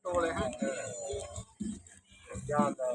ตัวเลยฮะยอดเลย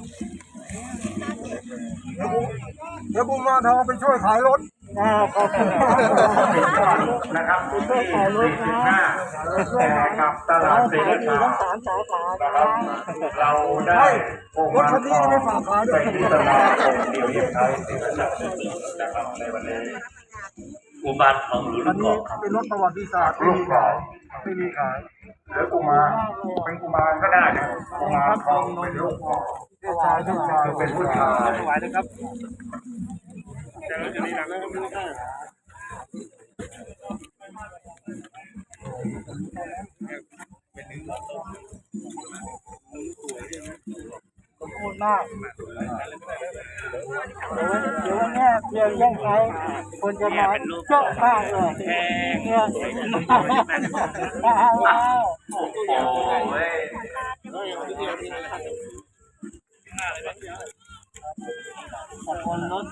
เดี๋ยวบุญมาทองไปช่วยขายรถขอบคุณนะครับที่45แต่กับตลาดเสรีทั้ง3 สาขานะครับเราได้รถคันนี้ไม่ฝากขายด้วยไปที่ตลาดองค์เดียวเยี่ยมไทยศรีราชานะครับในวันนี้อุบาทของหลวงพ่อเป็นรถประวัติศาสตร์ลูกขอไม่มีขายหรือกุมารเป็นกุมารก็ได้นะกุมารทองเป็นลูกขอชายทุกชายเป็นผู้ชายถวายนะครับเจอจะนี่หนักแล้วไม่ได้ขอบคุณมากเดี๋ยววันนี้เดี๋ยวยังไงคนจะมาเจาะมากเลยเนี่ยว้าวขอบคุณรถ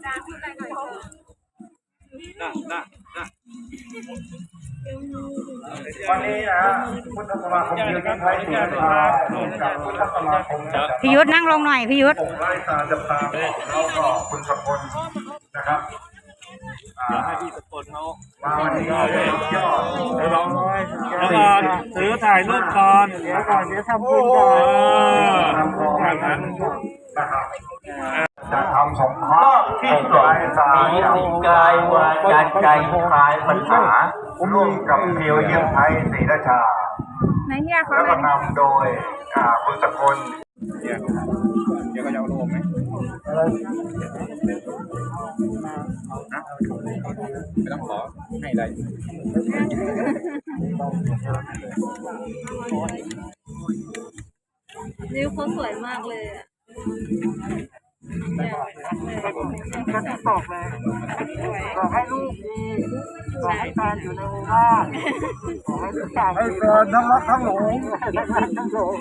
วันนี้นะพุทธสมาคมเดียวกันไทยศรีราชากับพุทธสมาคมพี่ยุทธนั่งลงหน่อยพี่ยุทธไล่ตาจับตาแล้วก็คุณสกลนะครับเดี๋ยวให้พี่สกลเขามาวันนี้ยอดเราแล้วก็ถือถ่ายรูปก่อนเดี๋ยวทำบุญก่อนทำของแบบนั้นนะครับจะทำสงเคราะห์ที่สายสายกายวาจาใจคลายปัญหาร่วมกับเพียวเยี่ยมไทยศรีราชาแล้วก็นำโดยคุณสกลเดี๋ยวก็จะเอาลงไหมไม่ต้องขอให้อะไรนิ้วเขาสวยมากเลยอ่ะก็จะบอกเลยบอกให้ลูกดีบอกให้แฟนอยู่ในบ้านบอกให้ทุกอย่างให้แฟนทั้งรักทั้งหลงทั้งหลง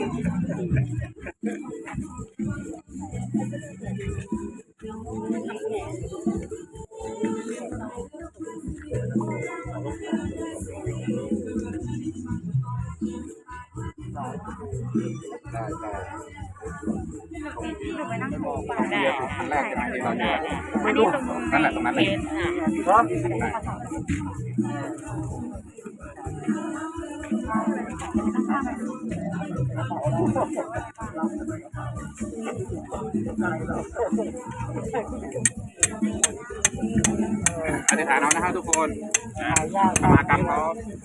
ไปนั่งคุยกันได้แรกที่เราเนี่ยไม่รู้นั่นแหละตรงนั้นเลยครับอธิษฐานเอานะครับทุกคนสมากรรมเขา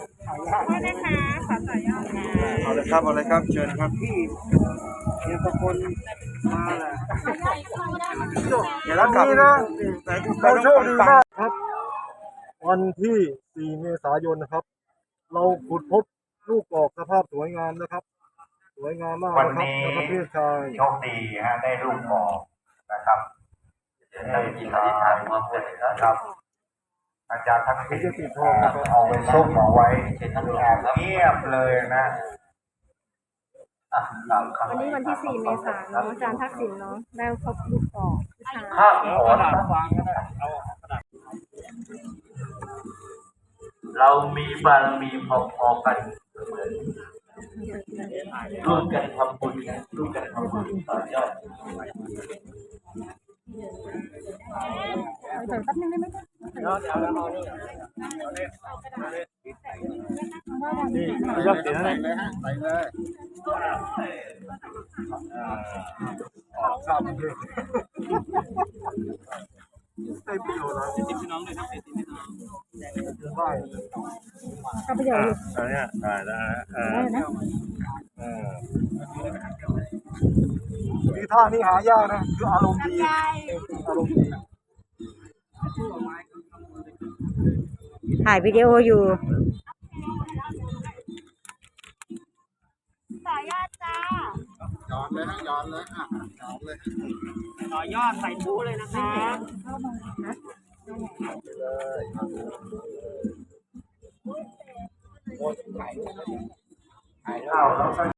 เอาเลยครับเอาเลยครับเชิญครับพี่เดี๋ยวทุกคนมาเลยเดี๋ยวแล้วกลับนะเราโชคดีมากครับวันที่4 เมษายนนะครับเราขุดพบลูกกอกสภาพสวยงามนะครับสวยงามมากวันนี้โชคดีฮะได้ลูกกอกนะครับได้ที่อธิษฐานมาพูดนะครับอาจารย์ทั้งที่จะติดทองเอาไว้ส้มเอาไว้เงียบเลยนะวันนี้วันที่4 เมษายนอาจารย์ทักษิณเนาะได้พบลูกกอกข้าวหอมเรามีบารมีพอๆกันเหมือนร่วมกันทำบุญร่วมกันทำบุญต่อยอดแป๊บนึงได้ไหมนี่ยอดเสียเลยฮะไปเลยข้าวมันเยอะใส่ประโยชน์อะไรติดพี่น้องเลยครับติดพี่น้องได้ข้าวประโยชน์อันนี้ได้มีท่านี้หายากนะคืออารมณ์ดีอารมณ์ดีถ่ายวิดีโออยู่ต่อยอดจ้าย้อนเลยนะย้อนเลยย้อนเลยต่อยอดใส่ทูเลยนะคะเลย